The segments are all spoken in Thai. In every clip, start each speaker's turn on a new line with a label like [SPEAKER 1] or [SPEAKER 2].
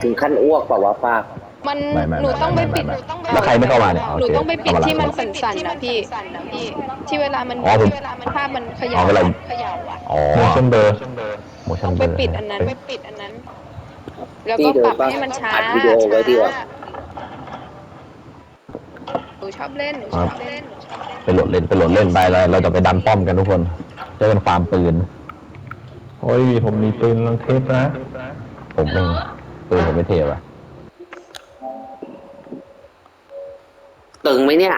[SPEAKER 1] ถึงขั้นอ้วกเปล่าวะป้า
[SPEAKER 2] มัน
[SPEAKER 3] ไม่
[SPEAKER 2] หนูต้องไปปิด
[SPEAKER 3] แล้วใครไม่เข้ามาเนี่ยโอ
[SPEAKER 2] หนู
[SPEAKER 3] เค
[SPEAKER 2] ต้องไปปิด
[SPEAKER 3] เอามาหลัง
[SPEAKER 2] ที่มันสั่นๆนะพี่ที่เวลามัน
[SPEAKER 3] อ๋อผม
[SPEAKER 2] ภาพมันเข
[SPEAKER 3] อ๋
[SPEAKER 2] ย่า
[SPEAKER 3] อเวลา
[SPEAKER 2] เขย่าอ่ะ
[SPEAKER 3] อ๋อ
[SPEAKER 4] motion blur
[SPEAKER 3] motion
[SPEAKER 2] ต้องไป
[SPEAKER 3] blur
[SPEAKER 2] ปิดอันนั้นแล้ว
[SPEAKER 1] พี่
[SPEAKER 2] ก็
[SPEAKER 1] เดิ
[SPEAKER 2] ป
[SPEAKER 1] น
[SPEAKER 2] รับ
[SPEAKER 1] ป้า
[SPEAKER 2] ให้มันช้า
[SPEAKER 1] อัดวิดีโอไว้ดีกว่า
[SPEAKER 2] หนูชอบเล่น
[SPEAKER 3] ไปโหลดเล่นไปเลยเราจะไปดันป้อมกันทุกคนเจอกันฟาร์มปืน
[SPEAKER 4] โอ้ยผมมีปืนลังเทปนะ
[SPEAKER 3] ผมเองปืนผมไม่เทปอะ
[SPEAKER 1] ตึงไหมเนี่ย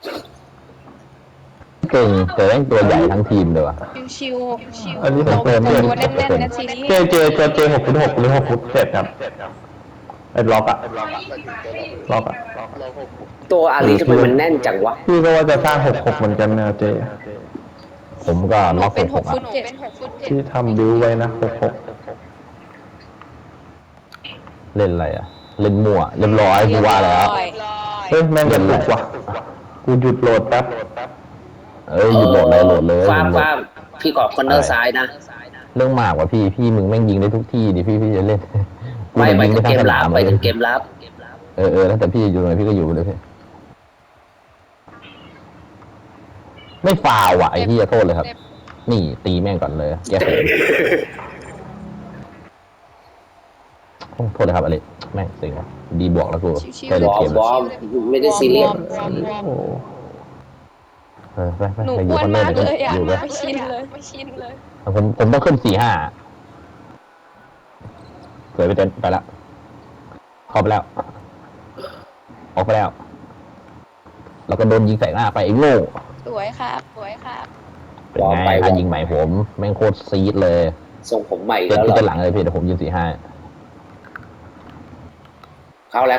[SPEAKER 3] เก่งแต่แม่งตัวใหญ่ทั้งทีมเลยว่ะ
[SPEAKER 2] ชิว
[SPEAKER 4] อันนี้
[SPEAKER 2] ๆ
[SPEAKER 4] ผมเติม
[SPEAKER 2] ตัวแน่นๆนะซีรีส์
[SPEAKER 4] เจ6.6หรือ6.7ครับไอ้ล็อกอะล็อกอะ
[SPEAKER 1] ตัวอาลีทำไมมันแน่นจังวะ
[SPEAKER 4] พี่ก็ว่าจะสร้าง6.6เหมือนกันนะเจ
[SPEAKER 3] ผมก็
[SPEAKER 2] หนู
[SPEAKER 3] ล็อก
[SPEAKER 2] เป็น
[SPEAKER 3] 6
[SPEAKER 2] 6
[SPEAKER 3] อ่ะ
[SPEAKER 2] ฟุต 7
[SPEAKER 4] ที่ทำบิวไว้นะ6.6
[SPEAKER 3] เล่นอะไรอ่ะเล่นมั่วเรียบร้อยกูว่าแล้ว
[SPEAKER 4] เฮ้ยแม่งกระตุกว่ะกูหยุดโหลดแป๊บ
[SPEAKER 3] หยุดโหลดเลย
[SPEAKER 1] ฟ้าพี่กรอบคอนเนอร์ซ้ายนะ
[SPEAKER 3] เรื่องมากกว่าพี่มึงแม่งยิงได้ทุกที่ดิพี่จะเล่น
[SPEAKER 1] ไม่ไป
[SPEAKER 3] ยิง
[SPEAKER 1] ถึง
[SPEAKER 3] ได้
[SPEAKER 1] เก
[SPEAKER 3] ทั้ง
[SPEAKER 1] ม
[SPEAKER 3] ส
[SPEAKER 1] ลั
[SPEAKER 3] นา
[SPEAKER 1] บ
[SPEAKER 3] ม
[SPEAKER 1] ไปถึงเกมลับ
[SPEAKER 3] แล้วแต่พี่อยู่ไหนพี่ก็อยู่เลยพี่ไม่ฟาวอ่ะไอ้ที่จะโทษเลยครับนี่ตีแม่งก่อนเลยแก้เขินโทษเลยครับอะไรแม่งสิงว่ะดีบวกแล้วกูได้
[SPEAKER 1] บ
[SPEAKER 3] เลย
[SPEAKER 1] อ
[SPEAKER 3] เก
[SPEAKER 1] ม
[SPEAKER 3] ม
[SPEAKER 1] บอมไม่ได้ซีเรียส
[SPEAKER 4] โอ้
[SPEAKER 3] ไป
[SPEAKER 2] หนู
[SPEAKER 3] อ
[SPEAKER 2] อ้
[SPEAKER 3] ยู่
[SPEAKER 2] วน
[SPEAKER 3] คอนเนอ
[SPEAKER 2] มา
[SPEAKER 3] ร์
[SPEAKER 2] ก
[SPEAKER 3] เดี๋ยว
[SPEAKER 2] เลยอ่ะ
[SPEAKER 3] อยู่ไป
[SPEAKER 2] ไม่ชินเลย
[SPEAKER 3] ผมต้องขึ้น4-5เกิดไปเต้นไปละเข้าไปแล้วออกไปแล้วแล้วก็โดนยิงใส่หน้าไปไอ้โง่
[SPEAKER 2] สวยครับ
[SPEAKER 3] เป็นไงการยิงใหม่ผมแม่งโคตรซีดเลย
[SPEAKER 1] ส่งผมใหม่
[SPEAKER 3] เกิด
[SPEAKER 1] แล้วเหร
[SPEAKER 3] ที่
[SPEAKER 1] อ
[SPEAKER 3] จะหลังเลยพี่เดี๋ยวผมยืน4-5
[SPEAKER 1] เข้าแล้ว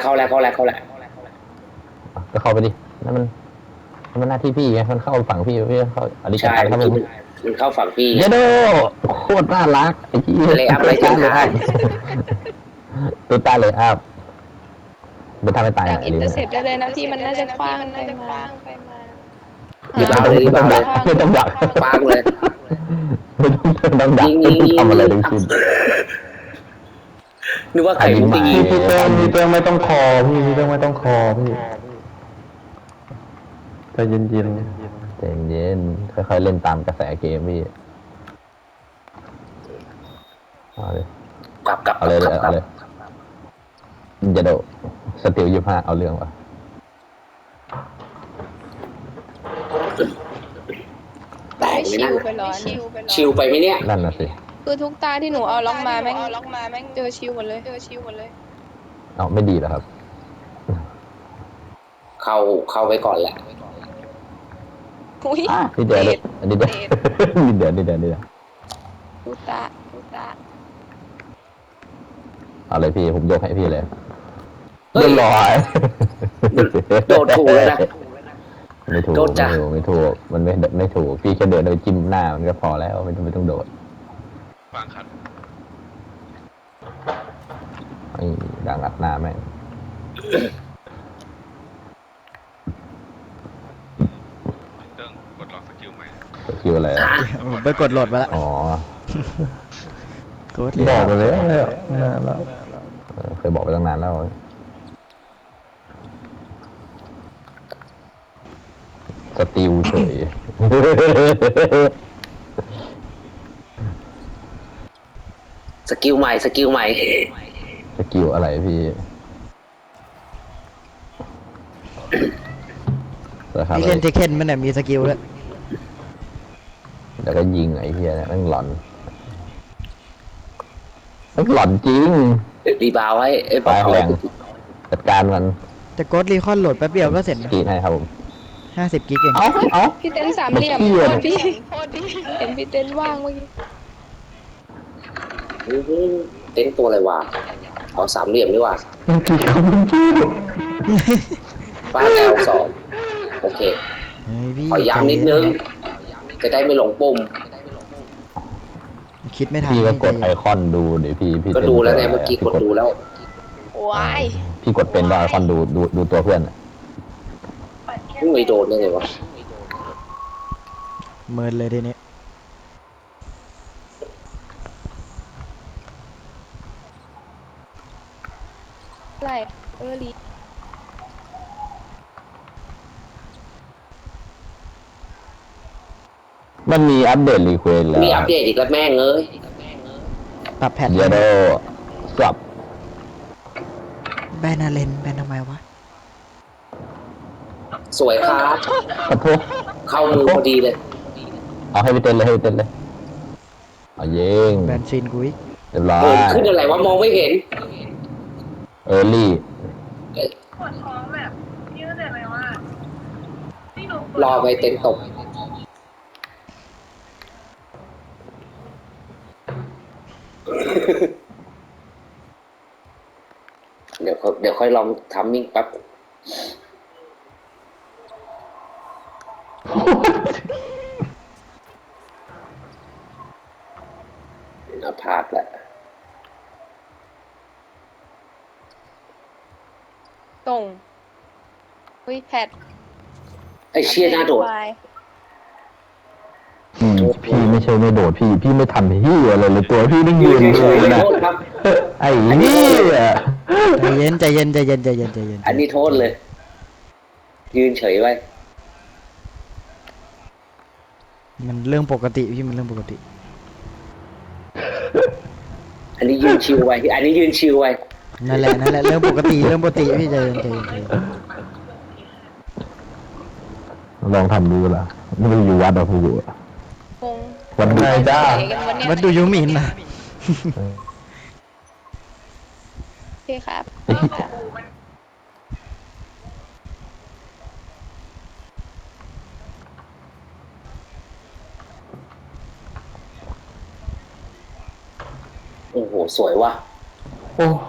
[SPEAKER 3] ก็เข้าไปดินั่นมันหน้าที่พี่ไงมันเข้าฝั่งพี่เข้าอลิกา
[SPEAKER 1] ใช่
[SPEAKER 3] ครับ
[SPEAKER 1] เมื่อ
[SPEAKER 3] ผ
[SPEAKER 1] กี้
[SPEAKER 3] ม
[SPEAKER 1] มันเข้าฝั่งพี่
[SPEAKER 3] เยโดโคตรน่ารักไอ้ที่
[SPEAKER 1] เลยอัพเลยจังหวะ
[SPEAKER 3] ตัวตาเลยอัพเป็นทางไปตาย
[SPEAKER 2] จาก
[SPEAKER 3] อ่ะ
[SPEAKER 2] อิน
[SPEAKER 3] ลิ้
[SPEAKER 2] เตอร์เซ็ปได้เลยนะพี่มันน่าจะคว้างไปมา
[SPEAKER 1] รีบเอาเลยรีบเอาเลย
[SPEAKER 3] ไม่ต้องดัก
[SPEAKER 1] ปางเลย
[SPEAKER 3] ไม่ต้องดัก
[SPEAKER 1] ยิง
[SPEAKER 3] ทำอะไรทั้งสิ้น
[SPEAKER 1] นึกว่าใครมันจะยิง
[SPEAKER 4] พี่เติ้งไม่ต้องคอพี่ไม่ต้องคอพี่ใจเย็น
[SPEAKER 3] ใจเย็นค่อยๆเล่นตามกระแสเกมพี่เอาเลย
[SPEAKER 1] กลับ
[SPEAKER 3] เอาเลยจะโดสติล25เอาเรื่องวะ
[SPEAKER 1] แตกไหม
[SPEAKER 2] ชิ
[SPEAKER 1] นะ
[SPEAKER 2] วไปร้อน
[SPEAKER 1] ชิลไปไหมเนี่ย
[SPEAKER 3] นั่นน่ะสิ
[SPEAKER 2] คือทุกตาที่หนูเอาล็อกมาแม่งเจอชิวหมดเลย
[SPEAKER 3] เอาไม่ดีเหรอครับ
[SPEAKER 1] เข้าไปก่อนแหละ
[SPEAKER 2] อุ้ย
[SPEAKER 3] นี่เดี๋ยวนี่เดี๋ยวนี่เดี๋ยว
[SPEAKER 2] ทุกตา
[SPEAKER 3] เอาเลยพี่ผมยกให้พี่เลย
[SPEAKER 1] เฮ้ย
[SPEAKER 3] เรียบร้อย
[SPEAKER 1] โดดถูกเลยนะ
[SPEAKER 3] ไม่ถูก
[SPEAKER 1] โดดจ้ะ
[SPEAKER 3] ไม่ถูกมันไม่ถูกพี่แค่เดินโดยจิ้มหน้ามันก็พอแล้วไม่ต้องโดด
[SPEAKER 5] ฟังครับ
[SPEAKER 3] ไอ้ดังอัดหน้าแม่ง
[SPEAKER 5] เติ้งกดล็อกสกิลใหม่
[SPEAKER 3] คิวอะไรอะ
[SPEAKER 6] ผมไปกดโหลดมาแล้ว
[SPEAKER 3] อ๋อก
[SPEAKER 6] ด
[SPEAKER 4] ๆบอกไปเลยนานแล้ว
[SPEAKER 3] เคยบอกไปตั้งนานแล้วสติลเฉย
[SPEAKER 1] สกิลใหม่
[SPEAKER 3] สกิลอะไรพี่นะครับ
[SPEAKER 6] พี่เล่นเทคเคนมันเนี่ยมีสกิลด้วย
[SPEAKER 3] แล้วก็ยิงไอ้เหี้ยเนี่ยแม่งหลอนจริง
[SPEAKER 1] รีบาวให้บ
[SPEAKER 3] ไป
[SPEAKER 1] อก
[SPEAKER 3] แรงจัดการมัน
[SPEAKER 6] แต่กดรีคอนโหลดแป๊บเดียวก็เสร็จนะ
[SPEAKER 3] กรีดให้ครับผม
[SPEAKER 6] 50 กิกเอง
[SPEAKER 3] เอา
[SPEAKER 2] พี่เต้นสามเหลี่ยม
[SPEAKER 3] เหี้
[SPEAKER 2] โค
[SPEAKER 3] ย
[SPEAKER 2] ตรพี่เห็นพี่เต้นว่างเมื่อกี้
[SPEAKER 1] เต้นตัวอะไรวะเอาสามเหลี่ยมดีกว่า
[SPEAKER 4] มันกี่คำมันชื่อ
[SPEAKER 1] ฟ้าแอล2โอเค
[SPEAKER 6] เฮ้ยพี่
[SPEAKER 1] ขอย้ำนิดนึง จะได้ไม่หลงปุ่ม
[SPEAKER 6] คิดไม่ทัน
[SPEAKER 3] พี่ก็กดไอคอนดูเดี๋ยวพี่
[SPEAKER 1] ก็ดูแล้วไงเมื่อกี้กดดูแล้ว
[SPEAKER 2] ว้าย
[SPEAKER 3] พี่กดเป็นว่าไอคอนดูตัวเพื่อนอะ
[SPEAKER 1] ไม่โดนได้ไงวะ
[SPEAKER 6] เมินเลยทีนี้
[SPEAKER 2] อะไรลี
[SPEAKER 3] มันมีอัปเดตรีเควสแล้ว
[SPEAKER 1] มีอัปเดตอีกแล้วแม่งเอ้ย
[SPEAKER 6] ปรับแพท
[SPEAKER 3] เยโดสับ
[SPEAKER 6] แบนอาเลนแบนทำไมวะ
[SPEAKER 1] สวยครับ
[SPEAKER 3] กระทุก
[SPEAKER 1] เข้ามือพอดีเลย
[SPEAKER 3] เอาให้ไปเต้นเลยให้ไปเต้นเลยเอาเยิง
[SPEAKER 6] แบนซีนกูอีก
[SPEAKER 3] เรียบร้อ
[SPEAKER 1] เกิ
[SPEAKER 3] ย
[SPEAKER 1] นขึ้นอะไรวะมองไม่เห็น
[SPEAKER 3] เออร์ลี่
[SPEAKER 7] ปวดท้องแบบพี่เข้าใจไหมว่าที่หนู
[SPEAKER 1] รอไปเต็มตก เดี๋ยวค่อยลองทำมิ่งแป๊บเอาพลาดแล้ว
[SPEAKER 2] ตรงอุ้ยแพท
[SPEAKER 1] ไอ้เชี่ยหน้าโดด
[SPEAKER 3] พี่ไม่ใช่ไม่โดดพี่ไม่ทำพี่อะไรเลยตัวพี่นั่งยืน
[SPEAKER 1] เฉ
[SPEAKER 3] เลย ย
[SPEAKER 1] ๆ
[SPEAKER 3] นะ
[SPEAKER 1] โทษครับ
[SPEAKER 3] ไอ้นี่
[SPEAKER 6] ใจเย็นใจเย็นใจเย็นใจเย็นใจเย็น
[SPEAKER 1] อันนี้โทษเลย ยืนเฉยไว้
[SPEAKER 6] มันเรื่องปกติพี่มันเรื่องปกติ
[SPEAKER 1] อันนี้ยืนชิวไว้ อันนี้ยืนชิวไว้
[SPEAKER 6] นั่นแหละนั่นแหละเรื่องปกติเรื่องปกติพี่ใจเย็นใจเย็นใจเย็น
[SPEAKER 3] ลองทำดูละไม่ได้อยู่วัดหรอกพี่อยู่
[SPEAKER 2] งง
[SPEAKER 3] วันไหนจ้า
[SPEAKER 2] ไหนกันวะเนี่ย
[SPEAKER 6] วัดดูยูมินนะ
[SPEAKER 2] โอเคครับ
[SPEAKER 1] โอ้โห สวยว่ะ
[SPEAKER 4] โอ้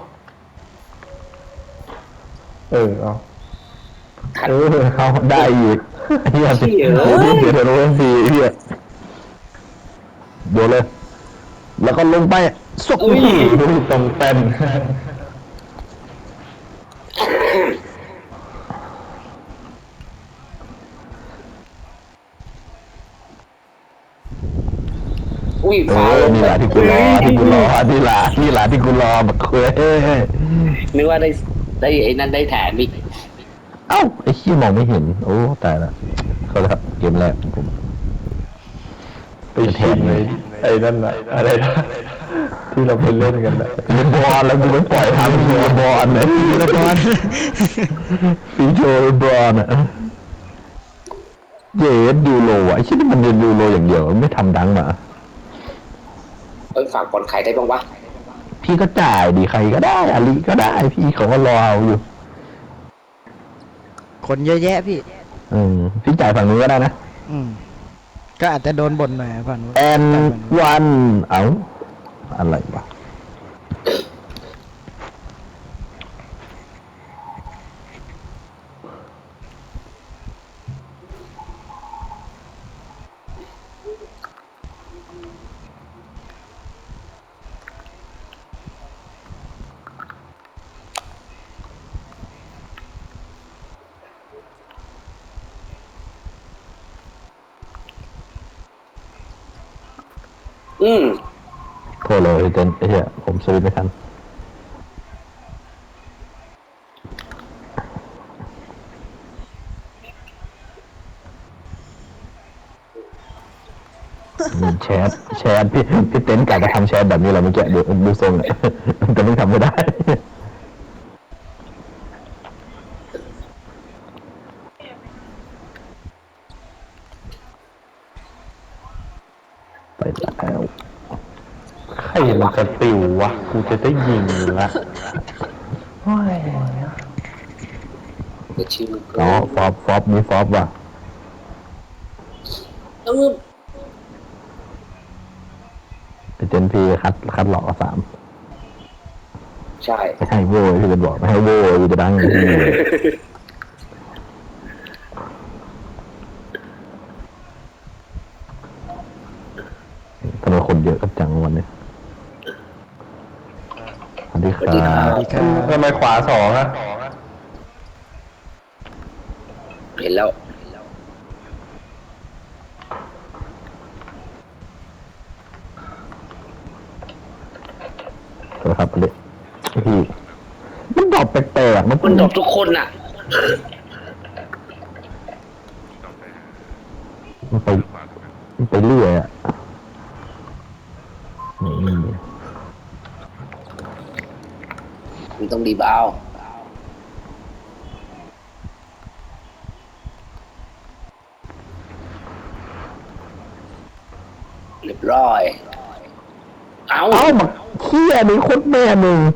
[SPEAKER 4] เอา
[SPEAKER 1] ทัน
[SPEAKER 3] เขาได้อีกเฮีย
[SPEAKER 1] เชี่ย
[SPEAKER 3] เดี๋ยวโดนทีเฮียโดนเลย แล้วก็ลงไปสุก
[SPEAKER 4] ดูตรงเต้น
[SPEAKER 1] อุ้ย
[SPEAKER 3] เอ
[SPEAKER 1] ฟ้า
[SPEAKER 3] อ
[SPEAKER 1] ลง
[SPEAKER 3] นี่
[SPEAKER 1] ไป
[SPEAKER 3] แหละที่กูรอที่กูรอนี่แหละที่กูรอบักเคย
[SPEAKER 1] นึกว่าได้ไอ้นั่นได้แถมอีก
[SPEAKER 3] เอ้าไอ้ขี้มองไม่เห็นโอ้ตายละเขาแล้วเกมแรกของผม
[SPEAKER 4] ไปชิมเลยไอ้นั่นน่ะอะไรนะที่เราไปเล่นกันนะ
[SPEAKER 3] เล่นบอลแล้วกูไม่ปล่อยทำเล่นบอลเลย
[SPEAKER 6] ละคร
[SPEAKER 3] ฟีโชว์บอลอ่ะเยสยูโรอ่ะไอ้ชิ้นมันเรียนยูโรอย่างเดียวไม่ทำดังมา
[SPEAKER 1] เอ้ยฝากบอลใครได้บ้างวะ
[SPEAKER 3] พี่ก็จ่ายดีใครก็ได้อาลีก็ได้พี่เขาก็รอเอาอยู่
[SPEAKER 6] คนเยอะแยะพี่
[SPEAKER 3] พี่จ่ายฝั่งนู้นก็ได้นะ
[SPEAKER 6] อืมก็อาจจะโดนบ่นหน่อยผ่านนู้น
[SPEAKER 3] แอนวันเอ้าอะไรวะโทษเลยเต้นไอ้เหี้ยผมสวิตช์ไม่ทันแชทพี่เต้นกลับมาทำแชทแบบนี้แหละเมื่อกี้ดูทรงเนี่ยแต่ไม่ทำไม่ได้ไปแล้ว
[SPEAKER 4] ใครมันจะติววะกูจะได้ยิงอยู่ละโอ้ย
[SPEAKER 1] เดี๋ยวชิว
[SPEAKER 3] อ๋อฟอบมีฟอบว่ะ
[SPEAKER 1] เออ
[SPEAKER 3] ไปเจนพีคัดหลอกสาม
[SPEAKER 1] ใช่
[SPEAKER 3] ไม่ให้โว้ยพี่เป็นบอกไม่ให้โว้ยกูจะดังอย่างที่ทำไมคนเยอะกันจังวันนี้สวัสดีครับ
[SPEAKER 6] สวัสดีครับ
[SPEAKER 4] ทำไมขวาสองอะ
[SPEAKER 1] เห็นแล้ว
[SPEAKER 3] สวัสดีครับพี่มันดรอปแปลกๆ
[SPEAKER 1] มันดรอปทุกคนอ่ะ
[SPEAKER 5] ต้องไป
[SPEAKER 3] มันไป
[SPEAKER 5] ขวาตรงนั้น
[SPEAKER 3] มันไปเรื่อยอ่ะนี่
[SPEAKER 1] มันต้องดีบเอาเรียบร้อย เอา
[SPEAKER 3] เอ้ามาเขี้ยนี่โคตรแม่มึง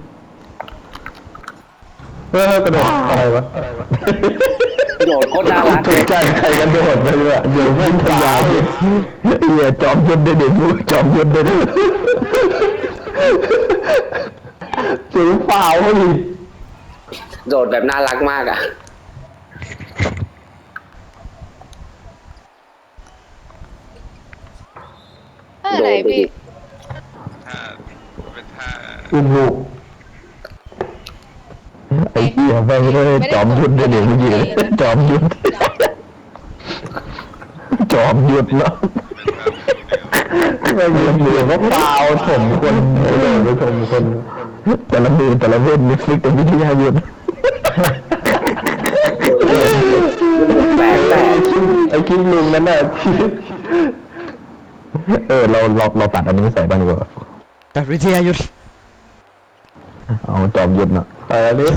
[SPEAKER 4] กระโดดอะไรวะ
[SPEAKER 1] โดดโคตรน่ารัก
[SPEAKER 4] ถู
[SPEAKER 1] เล
[SPEAKER 4] ก
[SPEAKER 1] ย
[SPEAKER 4] ใจใครกันโดดไปเลยเดี๋ยวไม่พยายาม
[SPEAKER 3] เหี้ยจอมยุทธได้เด็กจอมยุทธได้เด็ก
[SPEAKER 4] สีฟ้าเขาดิ
[SPEAKER 1] โดดแบบน่ารักมากอ่ะ
[SPEAKER 2] ไหนพี่
[SPEAKER 5] ถ้าเป็นท่า
[SPEAKER 4] อุ้มลูก
[SPEAKER 3] ไอ้เหี้ยไปเลยจอมยุทธได้เด็กเมื่อกี้จอมยุทธจอมยุทธเนาะ
[SPEAKER 4] ไม่มีเหลือก็เปล่าถมคนเลยไปถมคน
[SPEAKER 3] แต่ละมือแต่ละเว้นนี่ฟิกแต่วิทยายุทธ
[SPEAKER 1] แปลกแปลก
[SPEAKER 4] ไอ้คิดลุงนั่นน่ะ
[SPEAKER 3] เราตัดอันนี้ใส่บ้างดีกว่า
[SPEAKER 6] ตัดวิทยายุทธ
[SPEAKER 3] เอาจอมยุทธเนาะ
[SPEAKER 4] แต่อันนี้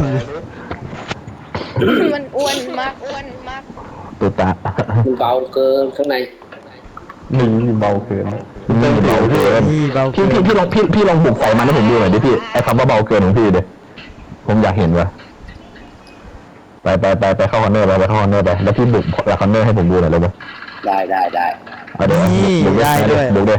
[SPEAKER 2] มันอ้วนมาก
[SPEAKER 3] ตัวตา
[SPEAKER 1] มันเบาเกินข้างใน
[SPEAKER 4] หนึ่งเบาเกิน
[SPEAKER 3] นี่เบาเกิน
[SPEAKER 6] นี่เบา
[SPEAKER 3] พี่ลองบุกใส่มันให้ผมดูหน่อยดิพี่ไอ้คำว่าเบาเกินของพี่เดี๋ยวผมอยากเห็นว่ะไปเข้าคอนเนอร์ไปเข้าคอนเนอร์ไปแล้วพี่บุกหลักคอนเนอร์ให้ผมดูหน่อยเลยมั้ย
[SPEAKER 1] ได้
[SPEAKER 3] เอาเดี๋ยวบุกด้วย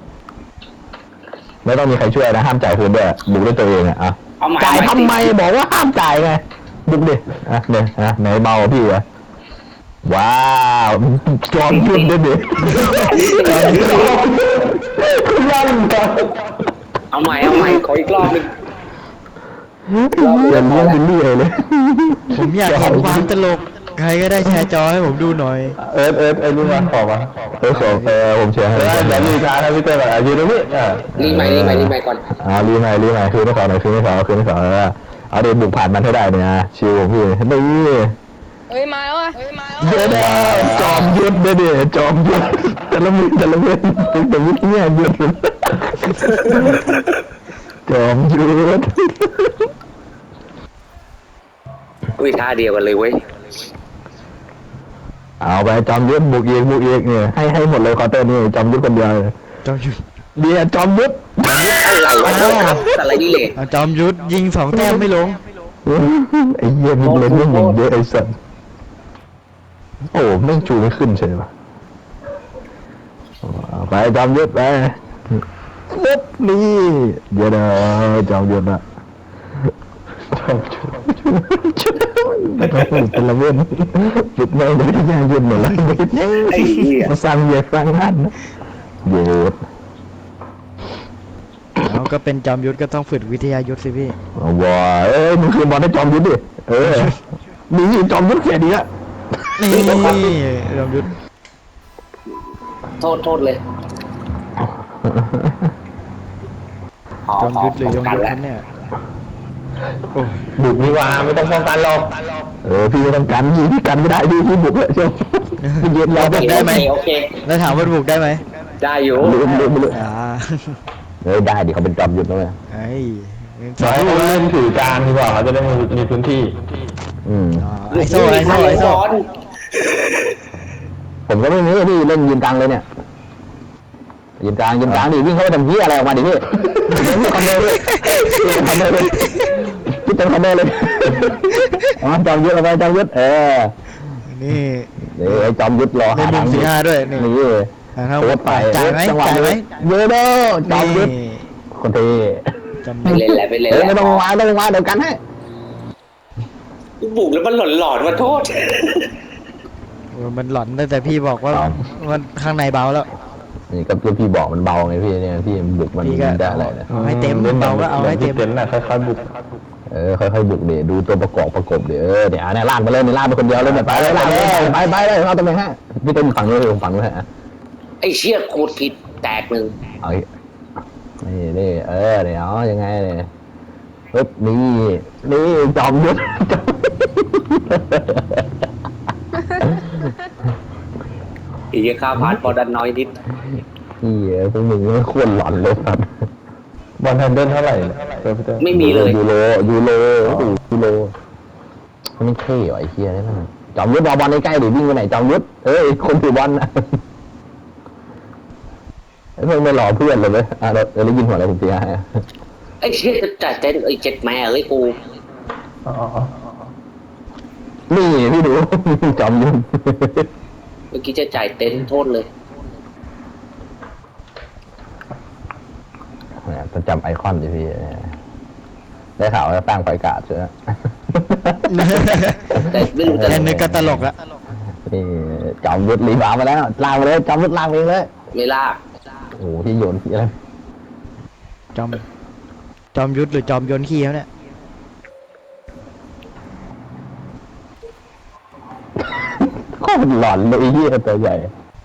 [SPEAKER 3] ไม่ต้องมีใครช่วยนะห้ามจ่ายคืนด้วยบุกด้วยตัวเองอ่ะ
[SPEAKER 1] เอาใหม่
[SPEAKER 3] จ่ายทำไมบอกว่าห้ามจ่ายไงบุกดิเนี่ยไหนเบาพี่วะว้าวจอมยุทธด้วยดิลั่นกัน
[SPEAKER 1] เอาใหม่ขออีกรอบนึง
[SPEAKER 3] เรียนเลี้ยงบิลลี่เลย
[SPEAKER 6] ผมอยากเห็นความตลก ใครก็ได้แชร์จอให้ผมดูหน่อย
[SPEAKER 4] เอิร์ธไอ้นี่มาขอมา
[SPEAKER 3] ผมเชียร์ให้
[SPEAKER 4] เดี๋ยวมีการนะพี่เต้แบบยืนตรงนี้
[SPEAKER 1] รีใหม่ก่อน
[SPEAKER 3] รีใหม่คือไม่ขอหน่อยคือไม่ขอเอาเดี๋ยวบุกผ่านมันให้ได้เนี่ยชิวพี่นี่
[SPEAKER 2] เฮ้ยมาแล้วอ่ะ
[SPEAKER 3] เดี๋ยวจอมยุทธเดี๋ยวจอมยุทธแต่ละเว้นแต่วิทยายุทธจอมยุทธ
[SPEAKER 1] อุ้ยท่าเดียวกันเลยเว้ย
[SPEAKER 3] เอาไปจอมยุทธบุกอีกเนี่ยให้หมดเลยคอเตอร์นี่จอมยุทธคนเดียว
[SPEAKER 6] จอมยุทธ
[SPEAKER 3] เดี๋ยวจอมยุทธ
[SPEAKER 1] อะไรวะโทษครับอะไรนี่เลย
[SPEAKER 6] จอมยุทธยิง2 แต้มไม่ลง
[SPEAKER 3] ไอ้เหี้ยมึงเล่นเรื่องอย่างเยอะไอ้สัสโอ้แม่งจูไม่ขึ้นใช่ปะไปจอมยุทธไปปุ๊บนี่เดี๋ยวจอมยุทธอะเป็นละเว้นฝึกแม่งวิทยายุทธหมดแล้ว
[SPEAKER 1] ไอ้เหี้ย
[SPEAKER 3] มาสร้างเยอะสร้างนั่นยุทธ
[SPEAKER 6] เราก็เป็นจอมยุทธก็ต้องฝึกวิทยายุทธสิพี่
[SPEAKER 3] ว้ามึงคืนบอลให้จอมยุทธดิมีจอมยุทธแค่นี้อะ
[SPEAKER 6] นี่จอมยุทธ
[SPEAKER 1] โทษเลย
[SPEAKER 6] จอมยุทธหรือยงยุทธนั้นเนี่ยโอ้
[SPEAKER 4] บุกนี่ว่าไม่ต้องป้องกันหรอก
[SPEAKER 3] พี่ไม่ต้องกันพี่กันไม่ได้พี่บุกเลยเชียวพี่ยืนรอ
[SPEAKER 1] โอเค
[SPEAKER 6] แล้วถามว่าบุกได้ไหม
[SPEAKER 1] ได้อยู่
[SPEAKER 3] ลืม
[SPEAKER 6] อ่า
[SPEAKER 3] ได้ดิเขาเป็นจอมยุทธแล้วไง
[SPEAKER 6] ไอ้
[SPEAKER 4] สายเขาเล่นถือกลางดีกว่าเขาจะได้มีพื้นที่
[SPEAKER 6] ไอโซ่
[SPEAKER 3] ผมก็ไม่มีพี่เล่นยืนกลางเลยเนี่ยยืนกลางดิวิ่งเข้าไปทำเหี้ยอะไรออกมาดิพี่คอนเนอร์เลยพี่เต็มคอนเนอร์เลยจอมยุทธเอาไปจอมยุทธ
[SPEAKER 6] นี่
[SPEAKER 3] ไอ้จอมยุทธรอ
[SPEAKER 6] ในมุม15ด้วยนี่
[SPEAKER 3] โคตรไป
[SPEAKER 6] จ่ายไหม
[SPEAKER 3] เยอะเด้อจอมยุทธคนเท่
[SPEAKER 6] จอม
[SPEAKER 1] ไป
[SPEAKER 6] ยุทธ
[SPEAKER 1] เล่นแหละไปเล่น
[SPEAKER 3] ไม่ต้องมาเดี๋ยวกันให้
[SPEAKER 1] บุกแล้วมันหลอนมาโทษ
[SPEAKER 6] มันหลอนตั้งแต่พี่บอกว่ามันข้างในเบาแล้ว
[SPEAKER 3] นี่ก็พี่บอกมันเบาไงพี่เนี่ยพี่บุกมัน
[SPEAKER 6] พี่ก็
[SPEAKER 3] ได้อะไรนะ
[SPEAKER 6] เอาให้เต็มเบาก็เอาให้เต็ม
[SPEAKER 4] เต็มน่ะค่อยๆบุก
[SPEAKER 3] ค่อยๆบุกเดี๋ยวดูตัวประกบเดี๋ยวเนี่ยลากไปเลยลากไปคนเดียวเลยไปเลยลากเลยไปเลยเอาตรงไหนฮะพี่เต็มฝั่งนู้นผมฝั่งนู้นฮะ
[SPEAKER 1] ไอ้เชี่ยโคตรผิดแตกหนึ่ง
[SPEAKER 3] เอานี่เดี๋ยวยังไงเนี่ยปึ๊บนี่จอมยุทธ
[SPEAKER 1] อีกข้าวผัดพอดันน้อยนิด
[SPEAKER 3] นี่พวกมึงไม่ควรหลอนเลยครับ
[SPEAKER 4] บอลแฮนเดิลเท่าไหร่เนี่ยเจอพี่เต้
[SPEAKER 1] ไม่มีเลย
[SPEAKER 3] ยูโรโอ้โหยูโรมันเท่ว่ะไอ้เฮียนี่มันจอมยุทธเอาบอลใกล้ๆดิวิ่งไปไหนจอมยุทธเอ้ยคนถือบอลนะไอ้เพื่อนไม่รอเพื่อนเลยเว้ยเราได้ยินหัวอะไรผมตีให้
[SPEAKER 1] ไอ้เชี่ยจัดเต้นไอ้เจ็ดแม่เอ้ยกู
[SPEAKER 4] อ๋อ
[SPEAKER 3] นี่พี่ดู จอมยุทธ
[SPEAKER 1] เมื่อกี้จะจ่ายเต็นท์โทษเลย
[SPEAKER 3] เนี่ยจะจำไอคอนดิพี่ได้ข่าวว่าตั้งไฟกาดใช่ไหม
[SPEAKER 1] แต่ไม่รู้จะ
[SPEAKER 6] แค่นึกก็ตลกละ
[SPEAKER 3] นี่จอมยุทธรีบาวมาแล้วลากมาเลยจอมยุทธลากเองเลย
[SPEAKER 1] ไม่ลาก
[SPEAKER 3] โอ้โหที่โยนที่อะไร
[SPEAKER 6] จอมยุทธหรือจอมโยนขี้เขาเนี่ย
[SPEAKER 3] โคตรหลอนเลยไอ้เหี้ยตัวใหญ่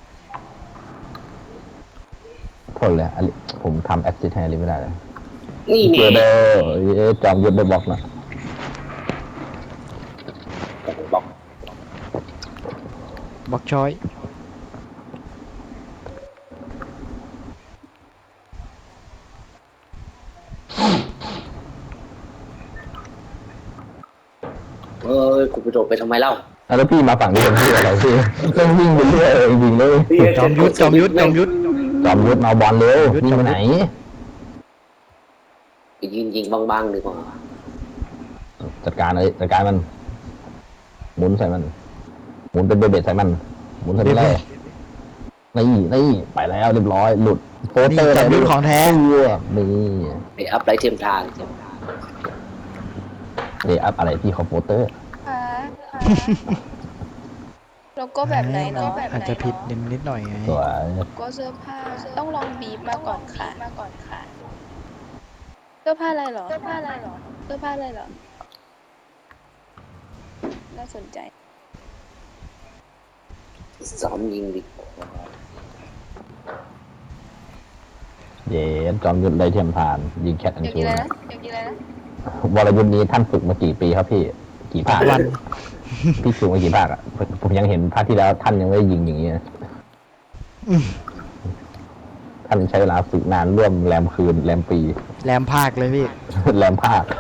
[SPEAKER 3] ทนเลยอะไรผมทำแอคซิสแทนไม่ได้เลย
[SPEAKER 1] นี่
[SPEAKER 3] เจ
[SPEAKER 1] เนี่
[SPEAKER 3] อย เด้อจอมยุทธได้บล็อกนะ
[SPEAKER 1] บอก
[SPEAKER 6] บ็อกช้อย
[SPEAKER 1] เอ้ยกูไปโดดไปทำไมเล่า
[SPEAKER 3] แล้วพี่มาฝั่งนี้เป็นพี่อะไรพี่ต้องวิ่งไปเรื่อยจริงๆเลย
[SPEAKER 6] จอมยุทธ
[SPEAKER 3] จอมยุทธเอาบอลเร็ววิ่งไปไหน
[SPEAKER 1] ยิงบางๆดีกว่า
[SPEAKER 3] จัดการเลยจัดการมันหมุนใส่มันหมุนเป็นเบเบ็ดใส่มันหมุนใส่มันเลยนี่ไปแล้วเรียบร้อยหลุดโปสเตอร์
[SPEAKER 6] จอมยุทธของแท้
[SPEAKER 3] นี่
[SPEAKER 1] ไอ้อัพไรเทียมทาน
[SPEAKER 3] เดอัพอะไรที่เขาโปสเตอร์
[SPEAKER 2] แล้วก็แบบไหนเนาะ
[SPEAKER 6] อาจจะผิดนิดหน่อยไง
[SPEAKER 3] สวย
[SPEAKER 2] ก็เสื้อผ้าต้องลองบีบมาก่อนค่ะเสื้อผ้าอะไรเหรอน่าสนใจ
[SPEAKER 1] ซ้อมยิงดิ
[SPEAKER 3] เย้จอมยุทธได้เทียมทานยิงแคทอัน
[SPEAKER 2] อยาก
[SPEAKER 3] ชู
[SPEAKER 2] กินอะไร
[SPEAKER 3] น
[SPEAKER 2] นะอยากกินอะไรนะ
[SPEAKER 3] วรยุทธ์นี้ท่านฝึกมากี่ปีครับพี่กี่ภาค
[SPEAKER 6] วัน
[SPEAKER 3] พี่ฝึกมากี่ภาคอ่ะผมยังเห็นภาคที่แล้วท่านยังไม่ได้ยิงอย่างนี้นะ
[SPEAKER 6] อืม
[SPEAKER 3] ท่านใช้เวลาฝึกนานร่วมแรมคืนแรมปี
[SPEAKER 6] แรมภาคเลยพี่
[SPEAKER 3] แรมภาค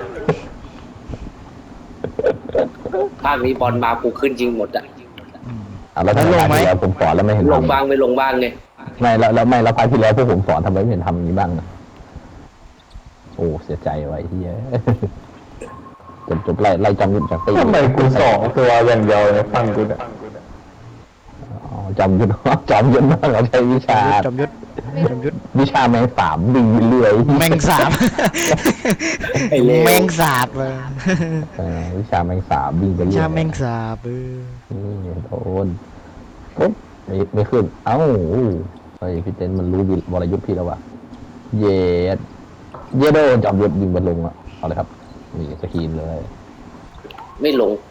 [SPEAKER 1] ภาคนี้บอลมากูขึ้นจริงหมดอะ
[SPEAKER 3] แล้วท่าน
[SPEAKER 6] แล้วลงไหม
[SPEAKER 3] ภาคที่แล้วผมสอนแล้วไม่เห็น
[SPEAKER 1] ลง
[SPEAKER 3] ทำ
[SPEAKER 1] บ้างไม่ลงบ้างไง
[SPEAKER 3] ไม่แล้วภาคที่แล้วพวกผมสอนทำไมไม่เห็นทำอย่างนี้บ้างอะโอ้เสียใจไว้เฮีย จบไล่จอมยุทธจากตี
[SPEAKER 4] ทำไมกูสองตัวอย่างเดียวเลยฟังกูเนี่ย
[SPEAKER 3] อ๋อจอมยุทธ จอมยุทธมากเราใช้วิชา
[SPEAKER 6] จอมยุทธ
[SPEAKER 3] วิชาแมงสาบดึงไปเรื่อย
[SPEAKER 6] แมงสาบ แมงสาบเลย
[SPEAKER 3] วิชาแมงสาบดึงไปเรื่อย
[SPEAKER 6] ชาแมงสาบ
[SPEAKER 3] นี่โดนปุ๊บไม่ขึ้นเอ้าเฮ้ยพี่เต้นมันรู้วรยุทธ์พี่แล้ววะเย็ดโดนจอมยุทธยิงบอลลงอ่ะเอาเลยครับนี่สกรีนเลย
[SPEAKER 1] ไม่ลง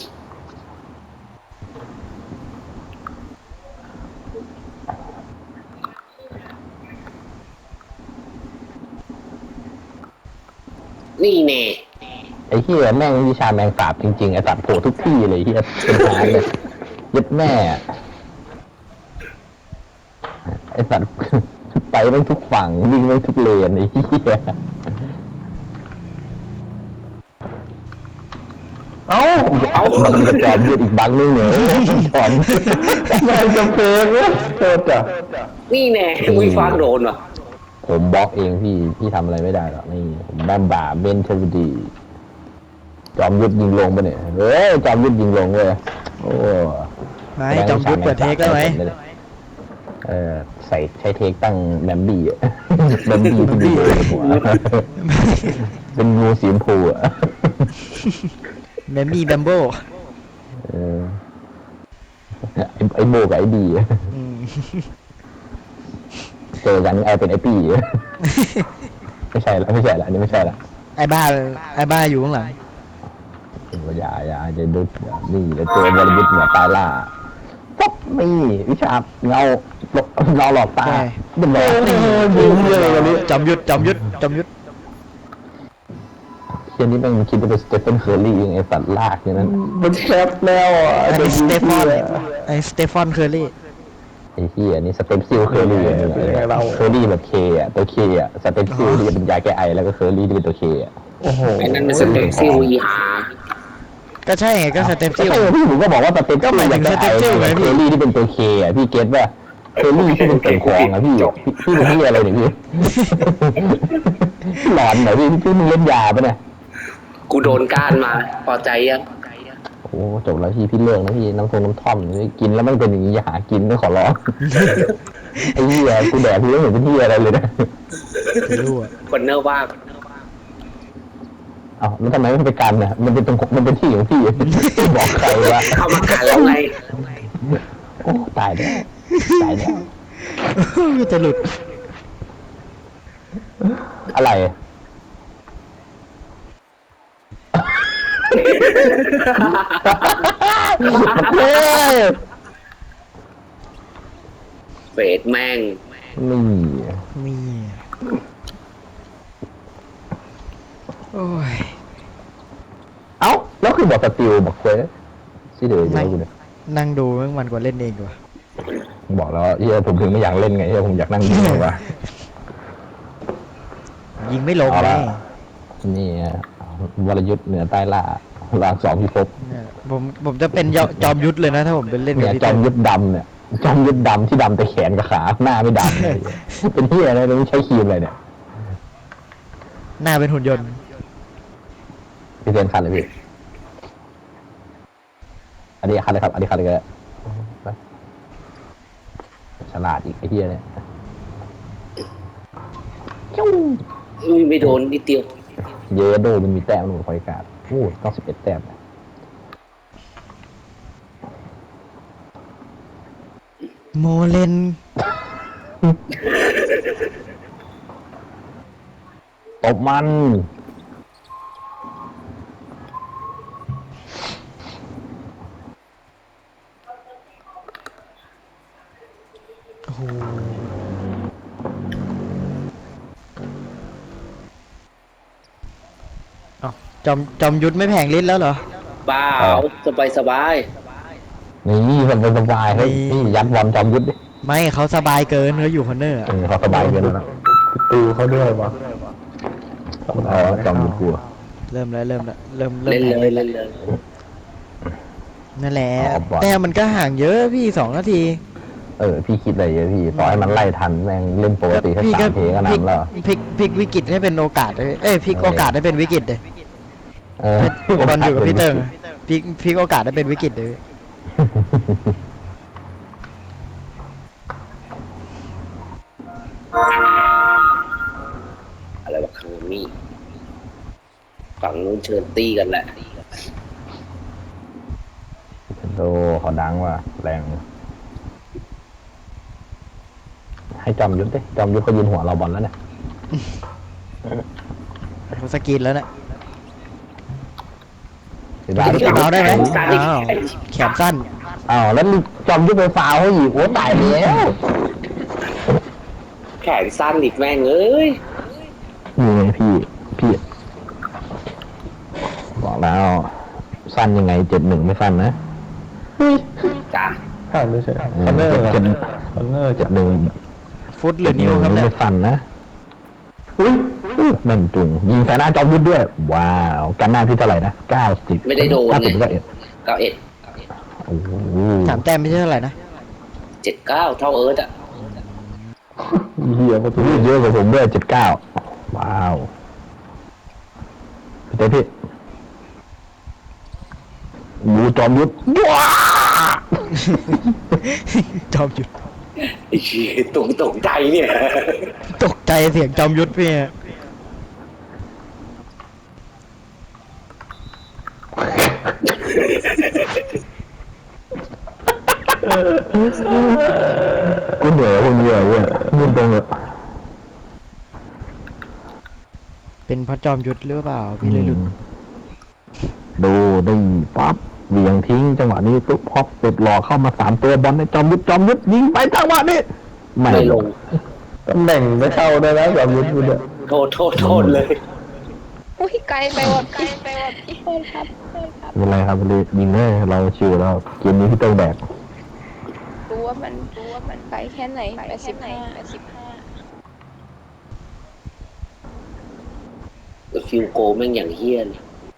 [SPEAKER 1] นี่แน่
[SPEAKER 3] ไอ้เหี้ยแม่งวิชาแมงสาบจริงๆไอ้สัตว์โผล่ทุกที่เลยเหี้ยเป็นหายเลยยึดแม่ไอ้สัตว์ ไปไม่ทุกฝั่งวิ่งไม่ทุกเลนไอ้เหี้ย มันจะจอมยุทธอีกบังนึงเนี่ยจอม
[SPEAKER 4] ไม่จำเป็นเนี่ยโทษจ้ะ
[SPEAKER 1] นี่แน่มึงฟังโดนว่ะ
[SPEAKER 3] ผมบล็อกเองพี่ทำอะไรไม่ได้หรอกนี่ผมแบมบ่าเบนเทวดีจอมยุทธยิงลงไปเนี่ยเฮ้ยจอมยุทธยิงลงเว้ยโอ้
[SPEAKER 6] ไม่จอมยุทธเปิดเทคแล้วไหม
[SPEAKER 3] ใช้เทคตั้งแบมบี้อะ แบมบี้ที่ดีเลยหัวเป็นงูสีชมพูอ่ะ
[SPEAKER 6] แมมมี่แบมโบ
[SPEAKER 3] ไอ้โบกับไอ้บีอะเจอกันไอ้เป็นไอ้ปี้ ไม่ใช่ละอันนี้ไม่ใช่ละ
[SPEAKER 6] ไอ้บ้าอยู่ข้างหลัง
[SPEAKER 3] อย่าจะดุนี่แล้วเจอวรยุทธ์เหนือตายล่าปุ๊บนี่วิชาเงาหลอกตาเป็นแบบ
[SPEAKER 4] ยิงเลยวันนี้
[SPEAKER 6] จอมยุทธ
[SPEAKER 3] ช่นนี้แม่งคิดว่าเป็นสเตเฟนเคอร์รี่ยังไอ้สัตว์ลากอย่างนั้น
[SPEAKER 4] มันแคปแล้วอ่ะ
[SPEAKER 6] ไอ้
[SPEAKER 4] เดี๋ยว
[SPEAKER 6] ส
[SPEAKER 4] ดู
[SPEAKER 6] เตฟอน
[SPEAKER 4] เหี้ย
[SPEAKER 6] ไอ้สเตฟอนเคอร์รี่
[SPEAKER 3] ไอ้เหี้ยนี่สเต็ปซิลเคอร์รี่
[SPEAKER 4] เป็นไงเรา
[SPEAKER 3] เคอร์รี่แบบเคอ่ะตัวเคอ่ะสเต็ปซิลที่จะเป็นยาแก้ไอแล้วก็เคอร์รี่ที่เป็นตัวเคอ่ะ
[SPEAKER 4] โอ้โห
[SPEAKER 1] ไอ้นั่นมันสเต็ปซิลอีหา
[SPEAKER 6] ก็ใช่ไงก็สเตฟ
[SPEAKER 3] ใช่
[SPEAKER 6] ซิล
[SPEAKER 3] พี่ผมก็บอกว่าสเต็ป
[SPEAKER 6] ก็หมายถึง
[SPEAKER 3] ยาแก้ไอ
[SPEAKER 6] สเต็ปซิลไงพี่
[SPEAKER 3] เคอร์รี่ที่เป็นตัวเคอ่ะพี่เก็ตว่าเคอร์รี่ที่เป็นตัวคองอ่ะพี่พี่เป็นเหี้ยอะไรเนี่ยพี่ หลอนเหรอพี่มึงเล่นยาปะเนี่ย
[SPEAKER 1] กูโดนก้านมา พอใจยัง
[SPEAKER 3] โอ้จบแล้วพี่เลิกนะพี่น้ำท่อมกินแล้วมันเป็นอย่างนี้อย่าหากินก็ขอร้อง ไอ้เหี้ยกูแดกพี่ไม่เห็นเป็นเหี้ยอะไรเลยนะ
[SPEAKER 6] ไม่รู้อ่ะ
[SPEAKER 1] คนเนอร์ว่าง
[SPEAKER 3] เอ้าแล้วทำไมไม่ไปกันน่ะมันเป็นที่ของพี่ บอกใครวะ
[SPEAKER 1] เข้ามากันแล้วไง
[SPEAKER 3] โอ้ตายแล้วตายแล้ว
[SPEAKER 6] มันจะหลุด
[SPEAKER 3] อะไรเฮ้ย
[SPEAKER 1] เฟดแม่ง
[SPEAKER 3] นี่
[SPEAKER 6] มีโอ้ย
[SPEAKER 3] เอ้าแล้วคือบอกสติลบอกเควสที่เดือดเยอะกูเนี่ย
[SPEAKER 6] นั่งดูมันกว่าเล่นเองกว่า
[SPEAKER 3] บอกแล้วเฮียผมถึงไม่อยากเล่นไงเฮียผมอยากนั่งดูมากกว่า
[SPEAKER 6] ยิงไม่ลง
[SPEAKER 3] เอา
[SPEAKER 6] เล
[SPEAKER 3] ละ
[SPEAKER 6] ย
[SPEAKER 3] นี่วรยุทธ์เหนือใต้ล่าลางสองพิภพ
[SPEAKER 6] เนี่ยผมจะเป็นจอมยุทธเลยนะถ้าผมเป็นเล่นกั
[SPEAKER 3] เนี่
[SPEAKER 6] บ
[SPEAKER 3] ย
[SPEAKER 6] พี่
[SPEAKER 3] จอ
[SPEAKER 6] เต้
[SPEAKER 3] มยุทธดำเนี่ยจอมยุทธดำที่ดำแต่แขนกับขาหน้าไม่ดำเลยเป็นเฮียอะไรไม่ใช้ครีมอะไรเนี่ย
[SPEAKER 6] หน้าเป็นหุ่นยนต์
[SPEAKER 3] พี่เซนคันเลยพี่อันนี้คันเลยครับอันนี้คันเลยก็ได้ไปฉลาดอีกไอ้เฮียเนี่ย
[SPEAKER 1] อุ้ยไม่โดนนิดเดียว
[SPEAKER 3] เยโดมันมีแต้มหนึ่งคอยการ์ดโอ้ต้อง11 แต้มนะ
[SPEAKER 6] โมเลน
[SPEAKER 3] ตบมัน
[SPEAKER 6] โอ้โหเอ้าจอมยุทธไม่แผงลิ้นแล้วเหรอ
[SPEAKER 1] เปล่าสบายสบาย
[SPEAKER 3] นี่สบายๆเฮ้ยนี่ยัดบอลจอมยุทธดิ
[SPEAKER 6] ไม่เขาสบายเกินเขาอยู่คอนเนอร์อะ
[SPEAKER 3] เขาสบายเกินแล้วนะ
[SPEAKER 4] ตูเขาด้วยวะ
[SPEAKER 3] อ๋อจอมยุทธกลัว
[SPEAKER 6] เริ่มแล้วเริ่ม
[SPEAKER 1] เล่น
[SPEAKER 6] แผง
[SPEAKER 1] เลย
[SPEAKER 6] ลิ้น
[SPEAKER 1] เล่
[SPEAKER 6] แล้ว
[SPEAKER 1] นเลย
[SPEAKER 6] นั่นแหละ
[SPEAKER 3] อ๋อบอล
[SPEAKER 6] แต่มันก็ห่างเยอะพี่2 นาที
[SPEAKER 3] พี่คิดอะไรเยอะพี่ต่อให้มันไล่ทันแม่งเล่นปกติแค่
[SPEAKER 6] พี่
[SPEAKER 3] 3 เพลงก็นำแล้ว
[SPEAKER 6] พลิกวิกฤตให้เป็นโอกาสเลยพลิกโอกาสให้เป็นวิกฤตเลย
[SPEAKER 3] เออบ
[SPEAKER 6] อลอยู่กับพี่เติงพลิกโอกาสให้เป็นวิกฤตเลย
[SPEAKER 1] อะไรวะคังมี่ฝั่งนู้นเชิญตีกันแหละ
[SPEAKER 3] โดเขาดังว่ะแรงให้จอมยุทธดิจอมยุทธเขายืนหัวเราบอลแล้วเนี่ย
[SPEAKER 6] เขาสกรีนแล้วนะ
[SPEAKER 3] เห็นปะ
[SPEAKER 6] เอาได้ไหมอ้าวแขนสั้น
[SPEAKER 3] อ้าวแล้วจอมยุทธไปฟาวเขาอีกโอ้ตายแล้ว
[SPEAKER 1] แขนสั้นอีกแม่งเอ้ย
[SPEAKER 3] นี่ไงพี่บอกแล้วสั้นยังไง71ไม่สั้นนะ
[SPEAKER 1] จ้ะ
[SPEAKER 4] ข้ามไม่ใช่คอนเนอร์
[SPEAKER 3] เจ็ด
[SPEAKER 4] คอนเนอร์จะ
[SPEAKER 3] 71
[SPEAKER 6] ฟุตหรือนิ้วครับเนี่ย
[SPEAKER 3] ไม่สั้นนะอุ้ยนั่นจุงยิงใส่หน้าจอมยุทธด้วย ว้าวกันหน้าพี่เท่าไหร่นะ90
[SPEAKER 1] ไม่ได้โดน
[SPEAKER 3] 90
[SPEAKER 1] ไง
[SPEAKER 3] ก็เอ็ด
[SPEAKER 1] 91
[SPEAKER 3] โอ้โห
[SPEAKER 6] 3 แต้มไม่ใช่เท่าไหร่นะ
[SPEAKER 1] 79เท่าเอิร์ธอ่ะ
[SPEAKER 4] เหี้ยประตู
[SPEAKER 3] เยอะกว่าผมด้วย79ว้าวพี่เต้พี่ดูจอมยุทธว้า
[SPEAKER 6] จอมยุทธ
[SPEAKER 1] ไอ้เหี้ยตกใจเนี่ย
[SPEAKER 6] ตกใจเสียงจอมยุทธพี่
[SPEAKER 3] กูเหนื่อยคนเดียวเว้ยมึงตรงเลย
[SPEAKER 6] เป็นเพราะจอมยุทธหรือเปล่าพี่เลยหลุด
[SPEAKER 3] ดูได้ปั๊บเหวี่ยงทิ้งจังหวะนี้ตุ๊บพอปสุดหล่อเข้ามา3 ตัวบอลในจอมยุทธยิงไปจังหวะนี้ไม่
[SPEAKER 1] ไม่ลง
[SPEAKER 4] ตำแหน่งไม่เข้าได้แล้วแบบยุทธคุณเนี่ย
[SPEAKER 1] โทษเลย
[SPEAKER 3] โอ้
[SPEAKER 2] อุ้ยไกลไปว่ะพี่โทษครับ
[SPEAKER 3] ไม่เป็นไรครับยิงเลยเราชิวแล้วเกมนี้พี่ต้องแบก
[SPEAKER 2] รู้ว่ามันไปแค่ไหน85
[SPEAKER 1] ฟิวโกแม่งอย่างเฮี้ยน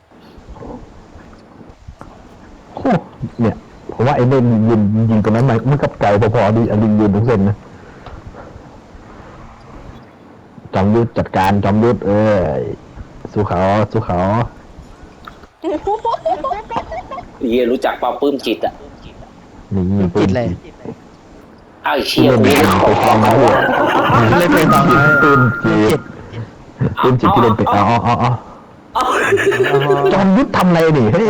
[SPEAKER 3] โอ้เนี่ยผมว่าไอ้เล่นยิงตรงนั้นมันกับไก่พอๆดีอันยิงตรงเส้นนะจอมยุทธจัดการจอมยุทธสู้เขา
[SPEAKER 1] เฮียรู้จักเปล่าปื้มจิตอ่ะ
[SPEAKER 3] นี่
[SPEAKER 6] จิตเลย
[SPEAKER 1] อ้าวไอ้เชี่ย
[SPEAKER 3] เล่น
[SPEAKER 1] กู
[SPEAKER 3] ไปฟังมาด้วย
[SPEAKER 6] เล่นไปฟังมา
[SPEAKER 3] ปืนจิตที่เล่นไปอ๋อจอมยุทธทำอะไรนี่เฮ้ย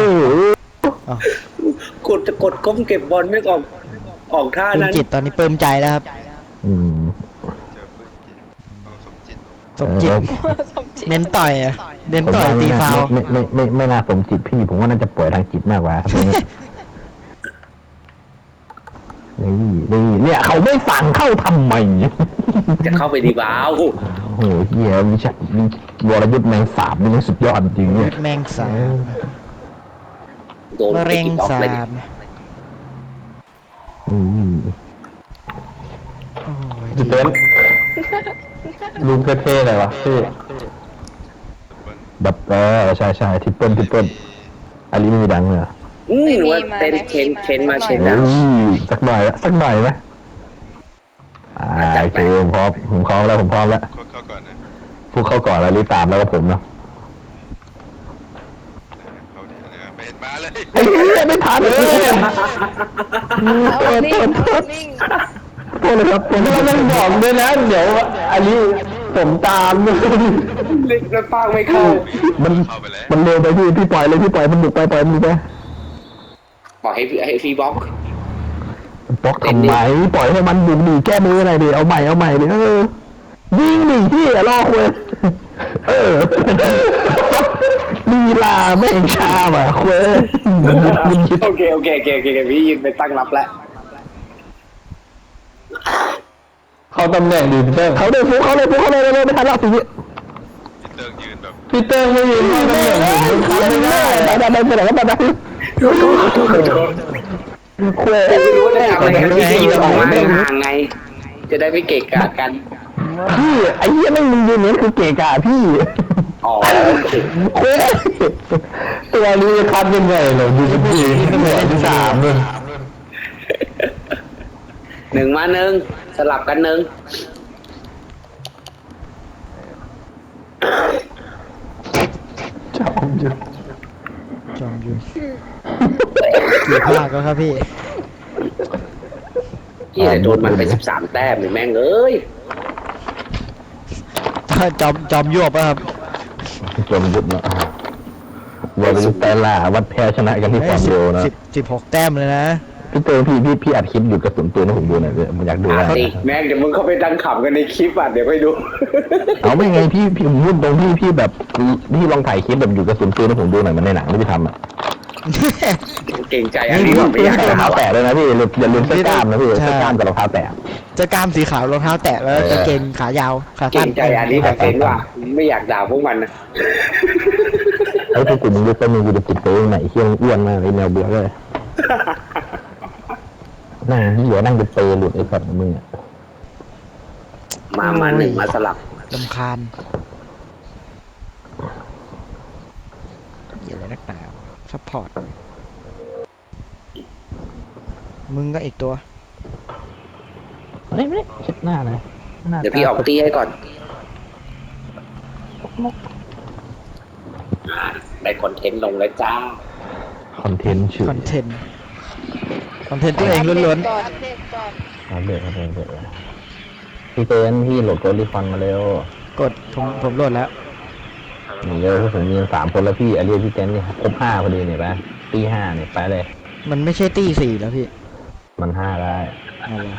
[SPEAKER 1] จะกดก้มเก็บบอลไม่ออกท่า
[SPEAKER 6] ปลื้ม
[SPEAKER 1] นั้น
[SPEAKER 6] จิตตอนนี้ปลื้มใจแล้วครับ
[SPEAKER 3] อืม
[SPEAKER 5] เจอปืนจิตเอาสมจิต
[SPEAKER 6] สมจิต
[SPEAKER 2] สมจิต
[SPEAKER 6] เน้นต่อยอะเน้นต่อยตีฟาว
[SPEAKER 3] ไม่น่าสมจิตพี่ผมว่าน่าจะป่วยทางจิตมากกว่านี่เนี่ยเขาไม่สั่งเข้าทำไม
[SPEAKER 1] จะเข้าไปดีบ้าว
[SPEAKER 3] โอ้โหเหี้ยวรยุทธ์แมงสาบนี่มันสุดยอดจริงเนี่ย
[SPEAKER 6] แมงสาบ
[SPEAKER 1] โดน
[SPEAKER 6] มะเร็ง
[SPEAKER 1] ไป
[SPEAKER 6] สา
[SPEAKER 1] เลย
[SPEAKER 6] บ
[SPEAKER 3] อืม
[SPEAKER 6] โอ้ย
[SPEAKER 4] จุดเด่นลุงเท่ๆหน่อยวะพี่
[SPEAKER 3] แบบใช่ทิปเปิลอันนี้ไม่มีดังเลย
[SPEAKER 1] หรือว่าเต้นเค้นมาเช็ด
[SPEAKER 3] โอ้
[SPEAKER 1] นะ
[SPEAKER 3] ยสักหน่อยไหมโอเคผมพร้อมแล้ว
[SPEAKER 5] เข้าก่อนนะ
[SPEAKER 3] พวกเข้าก่อนแล้วรีบตามแล้วก็ผมเนาะ
[SPEAKER 5] เข้าดีนะเป็นมาเลย
[SPEAKER 3] ไอ้ไม่ทันเลย
[SPEAKER 2] เอานิ่ง
[SPEAKER 3] โทษเลยครับผมไม่ต้องบอกด้วยนะเดี๋ยวอันนี้ผมตาม
[SPEAKER 1] เล็กแล้วป้างไม่เข้า
[SPEAKER 5] เข้าไปแล้ว
[SPEAKER 3] มันเร็วไปพี่ปล่อยเลยพี่ปล่อยมันบุกไปปล่อยมันไป
[SPEAKER 1] บอกให้ฟรีบล็อก
[SPEAKER 3] บล็อกทำไมปล่อยให้มันบุกดีแก้มือหน่อยดิเอาใหม่ดิยิงดิพี่รอคุยลีลาไม่เองชาว่ะคุย
[SPEAKER 1] โอเคพี่ยืนไปตั้งรับแล้ว
[SPEAKER 4] เขาตำแหน่งดีพี่เติ้ง
[SPEAKER 3] เขาเลยฟุกเขาเลยไม่ทันแล้วสิ
[SPEAKER 5] พี่เติงยืนแบบ
[SPEAKER 4] พี่เติ้งไม่ยืนเข้าตำแหน่งดีไม่ได้
[SPEAKER 3] ได้ไปไหนก็ไปได้คุย
[SPEAKER 1] แต่ไม่รู้ว่าจะทำอะไรกันพี่ยืนออกมาห่างไง จะได้ไม่เกะกะกัน
[SPEAKER 3] พี่ไอ้เหี้ยไม่มึงยืนเนี่ยคือเกะกะพี่
[SPEAKER 1] อ๋อ
[SPEAKER 3] คุย
[SPEAKER 4] ตัวนี้จะคัดยังไงเหรอดูสิพี่ตำแหน่งที่3เลย
[SPEAKER 1] 1 มา 1สลับกัน 1
[SPEAKER 4] จอมยุทธ
[SPEAKER 6] จอมยุทธกี่ภาคแล้วครับพี่
[SPEAKER 1] พี่แต่โดนมันไป13 แต้มเลยแม่งเอ้ย
[SPEAKER 6] จอมยวบป่ะครับ
[SPEAKER 3] จมยุทธเนาะวันนี้แต่ละวัดแพ้ชนะกันที่ความเร็วนะ
[SPEAKER 6] 16 แต้มเลยนะ
[SPEAKER 3] พี่เตอร์พี่อัดคลิปหยุดกระสุนปืนให้ผมดูหน่อยเลยผมอยากดูนะ
[SPEAKER 1] แม่งเดี๋ยวมึงเข้าไปดังขำกันในคลิปอ่ะเดี๋ยวไปดู
[SPEAKER 3] เอาไม่ไงพี่ผมพูดตรงพี่แบบพี่ลองถ่ายคลิปแบบหยุดกระสุนปืนให้ผมดูหน่อยมันในหนังไม่ได้ทำอ่ะ
[SPEAKER 1] เก่งใจอันนี้ว่าไม่อยาก
[SPEAKER 3] รองเท้าแตะด้วยนะพี่อย่าลืมเสื้อกล้ามนะพี่
[SPEAKER 6] ใช่
[SPEAKER 3] เสื้อกล้ามกับรองเท้าแตะ
[SPEAKER 6] จะกล้ามสีขาวรองเท้าแตะแล้วกางเกงขายาวขา
[SPEAKER 1] เก่
[SPEAKER 6] สั้น
[SPEAKER 1] งใจอันนี้แบบเป็นว่าไม่อยากด่าพวกมันนะ
[SPEAKER 3] ไอ้พวกกลุ่มมึงรู้ตัวมึงกูจะติดตัวไหนเที่ยงอ้วนมากไอ้แนวเบื่อเลยนั่งที่เหลือนั่งเป็นเปรย์หลุดไอ้สัตว์มึงอ่ะ
[SPEAKER 1] มา 1 มาสลับ
[SPEAKER 6] ลำคาญอย่าเลยนักหนาซัพพอร์ตมึงก็อีกตัว
[SPEAKER 3] ไม่เช็ดหน้านะ
[SPEAKER 1] เดี๋ยวพี่ออกตีให้ก่อนได้คอนเทนต์ลงแล้วจ้า
[SPEAKER 3] คอนเทนต์ชื่อ
[SPEAKER 6] คอนเทนต์ตัวเองล้วน
[SPEAKER 2] ก่อนอัปเดตก่อน
[SPEAKER 3] อัปเดตพี่เต้นพี่โหลดโกลิฟอนมาเร็ว
[SPEAKER 6] ๆกดผมโหลดแล้ว
[SPEAKER 3] นี่เร็วผมมี3 คนแล้วพี่อันนี้พี่เต้นนี่ครบ5พอดีเนี่ยไปตี5เนี่ยไปเลย
[SPEAKER 6] มันไม่ใช่ตี้4แล้วพี่
[SPEAKER 3] มัน5ได้
[SPEAKER 6] เอาวะ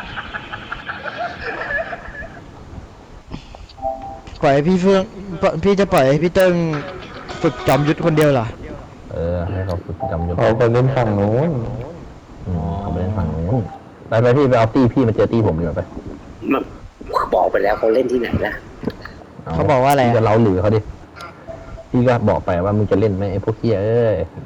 [SPEAKER 6] ปล่อยให้พี่จะปล่อยให้พี่เติ้งฝึกจอมยุทธคนเดียวเหรอ
[SPEAKER 3] ให้เขาฝึกจำยศ
[SPEAKER 4] เขาไปเล่นฝั่งโน้น
[SPEAKER 3] เขาไปเล่นฝั่งนู้นไปพี่ไปเอาตี้พี่มาเจอตี้ผมดีกว่าไป
[SPEAKER 1] มันบอกไปแล้วเขาเล่นที่ไหนล่ะ
[SPEAKER 6] เขาบอกว่าอะไรอะ
[SPEAKER 3] จะเล้าหรือเขาดิพี่ก็บอกไปว่ามึงจะเล่นไหมไอ้พวกเฮียเอ้ย